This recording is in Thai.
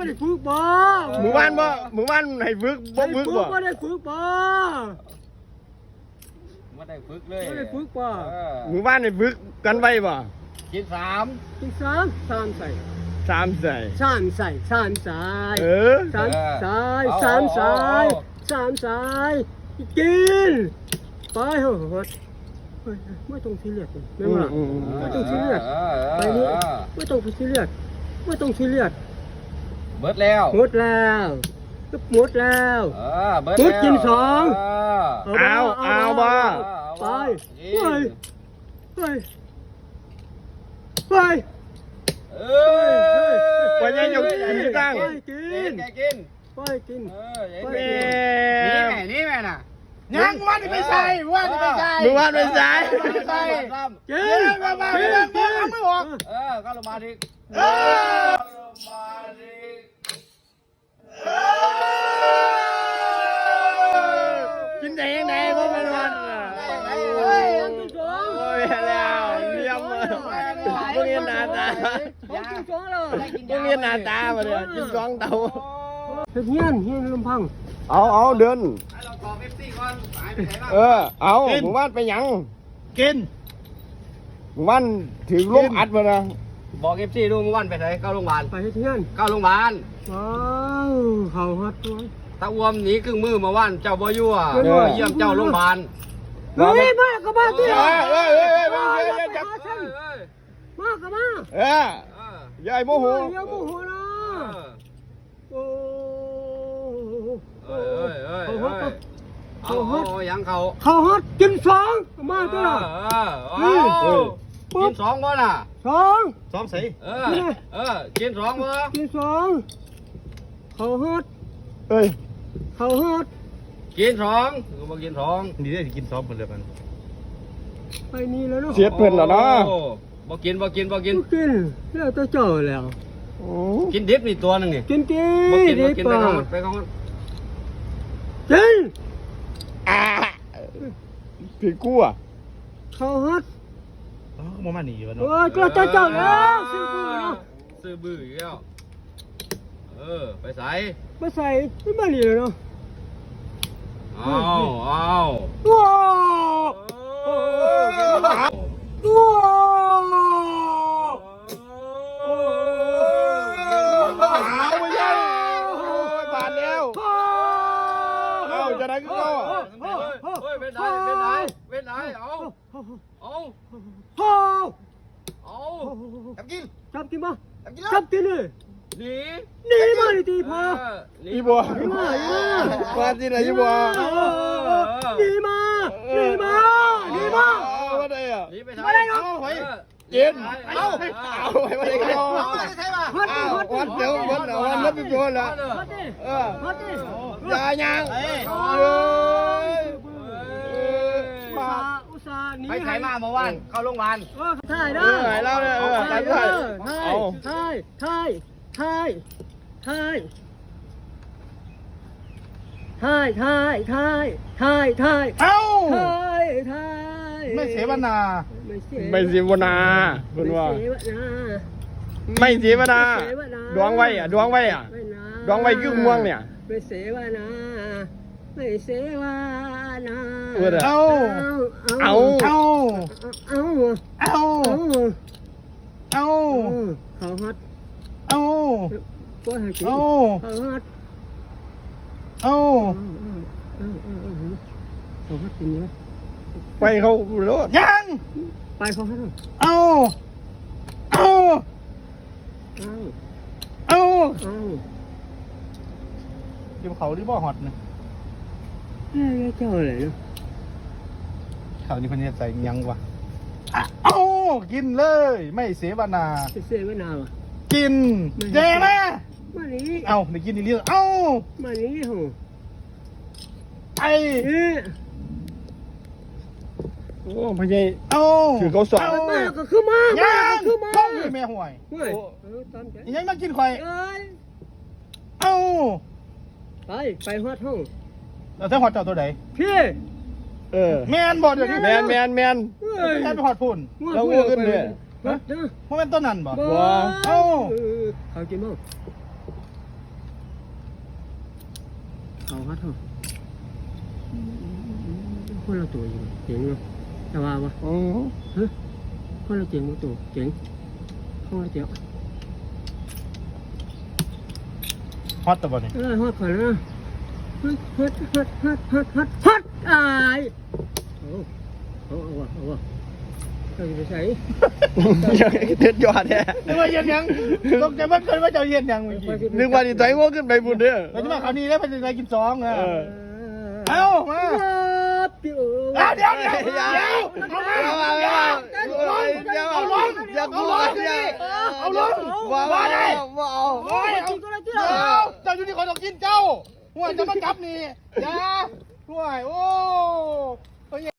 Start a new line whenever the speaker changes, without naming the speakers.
ได้ฝึกบ่
หมู่บ้านให้ฝึกบ่ฝึกบ่
บ่ได้ฝึกบ่
ไม่ได้ฝึกเลย
บ่ได้ฝึกบ่
หมู่บ้านให้ฝึกกันไว้บ่
กินสาม
กินสามใส่
สามใส่
สามใส่สามใส่
เออ
สามใส่สามใส่สามใส่กินไปเถอะไม่ต้องซีเรียสไม่ว่าไม่ต้องซีเรียสไปนี่ไม่ต้องซีเรียสไม่ต้องซีเรียส
เบิดแล้ว
หมดแล้วหมดแล้ว
เบิด
หมดกินสอง
เอาบ่
ไปไปไป
วันนี้ยกกินตั้ง
ไปกิน
กิน
ไปกิน
นี่แม่น่ะยังวันนี้ไม่ใช่วันนี้ไม่ใช่
หมู่บ้านไม่ใช่
ใช่
กินมาไม่ออก
ก็ลงมาดิ
กินได้ยังไงบ่เป็นวันโอ้ยแล้วเยี่ยมเลยพวกนี้หน้าตา
กินสองแล้ว
พวกนี้หน้าตาบ่เนี่ยกินสองเตา
เฮียนลำพัง
เอาเดิน
เราขอเป๊ปซี่ก่อนหายไปไหนบ้าง
เอาหมู่บ้านไปหยัง
กิน
หมู่บ้านถือลมอัดมานะ
บอกเอฟซีดูเมื่อวันไปไหนเข้าโรงพยาบาล
ไปเฮียน
เข้าโรงพยาบาล
ว้าวเขาฮัดตัว
ตาอ้วมหนีครึ่งมือมาวันเจ้าบ่ยั่วเยี่ยมเจ้าโรงพยาบาล
เฮ้ยมากับมาที่มากับมา
ยายโมโห
อย่าโมโหนะโอ้
เอายังเขา
เขาฮัดกินสองมาตัว
กินสองบ่น่ะ
สอง
ซ้อมใส่
กินสองบ่
กินสองเขาฮัด
เอ้ย
เขาฮัด
กินสองก็บ่กินสอง
นี่ได้กินซ้อมเหมือนเดิมมัน
ไปนี่แล้วเนาะ
เสียเพิ่นแล้วนะ
บ่กิน
กินแล้วจะเจอแล้ว
กินดิบนี่ตัวนึงนี่
กิน
บ่กิน
ดี
ไป
ป่ะ
ก่อนไปก่อน
กิน
ถือกู้อ่ะ
เขาฮัด
อ๋อมาหนีวะ
โอ้
เนาะ
ยก็จะเจอแล้วซื้อปืนเนาะ
ซื้อบื้ออีกแล้วไปใส่
มาใส่ไม่มาเหลียวเนาะ
เอา
ว้าว
เอาไม่ใช่บาดแล้วเอาจะได้ก็เข้าอ่ะ
เป็นไหนเอาจับกิน
จับกินมาจับกินเลย
หนี
นี่มาดิตีพอ
อีบัวมาที่ไหนอีบัว
นี่มา
ว่าได้อ่ะ
หนีไปทางไหนเอาหอย
กินเอาไปมาได้ก็วัดเดี๋ยววัดนับเป็นตัวละอย่ายัง
อุตส่าห์หนี
ไปไถมาเมื่อวานเข้าโรงพยาบาล
ถ่ายได้
เล่าเลยถ่าย
เอ้า
ถ่าย
ไม่เสวนา
ไม่เสียวนาคุณว่าไม่เสียวนาดวงไว้อ่ะดวงไว้คือม่วงเนี่ย
ไม่เสวนาไม่เสวนา
เอา
เอา
เอา
เอา
เอา เอา
เขาฮัด
เอา
ก็ให้กิน
เอา
เขาฮัด
เอา
เขาฮัดกินเยอะ
ไปเขาโลด
ยัง
ไปเขาฮัด
เอาเอา
เอา
เอา
เอา
เดี๋ยวเขาที่บ่อฮอตนะ
เจ้าอะไรเนาะ
เขานี่คนนี้ใส่ยังวะเอากินเลย ไม่เสวนา
เสวนาว่ะ
กินเจ๊ไหม
มานี่
เอาได้กินอีเรื่องเอา
มานี่โห
ไอ้
โอ้พญาย
เอา
คือเขาสอน
มาก็คือมา
ยัง
คือมา
ต้องเลยแม่ห่วย
ตามใจ
ยังมากินข่อย
เอ้ย
เอา
ไปฮอดห้อง
เราถ้าหอดเจ้าตัวไหน
พี่
แมนบอดเดี๋ยวนี้
แมน
แมนไปหอดพุ่น
เราเงือกขึ้นเลย
เพราะเป็นต้นนั้นบ่
เขากินมั้งเขาฮัทเหรอคนละตัวอยู่เจ๋งเนาะแต่ว่าวะฮะคนละเจ๋งมาตัวเจ๋งคนละเจ๋ง
ฮอตตัวบ่นี่
ฮอตก่อนนะฮอตอายเอาวะเราจะไปใส่
เด็ดยอดแท้
นึกว่าเย็นยังตกใจมันเกินว่าจะเย็นยังเมื่อกี้
นึกว่าดิใจง่วงขึ้นไปบุญเด้อ
เราจะมาคราวนี้แล้วมันจะไปกิน2อ่ะเอามา
เดี๋ยว
เดี๋ยว
เอาลงอย่ากลัวเอาลงว่าได้ว่าเอา
โอ้ยเอาเจ้าอยู่ที่คนต้องกินเจ้าห่วยจะมาจับนี่อย่าห่วยโอ้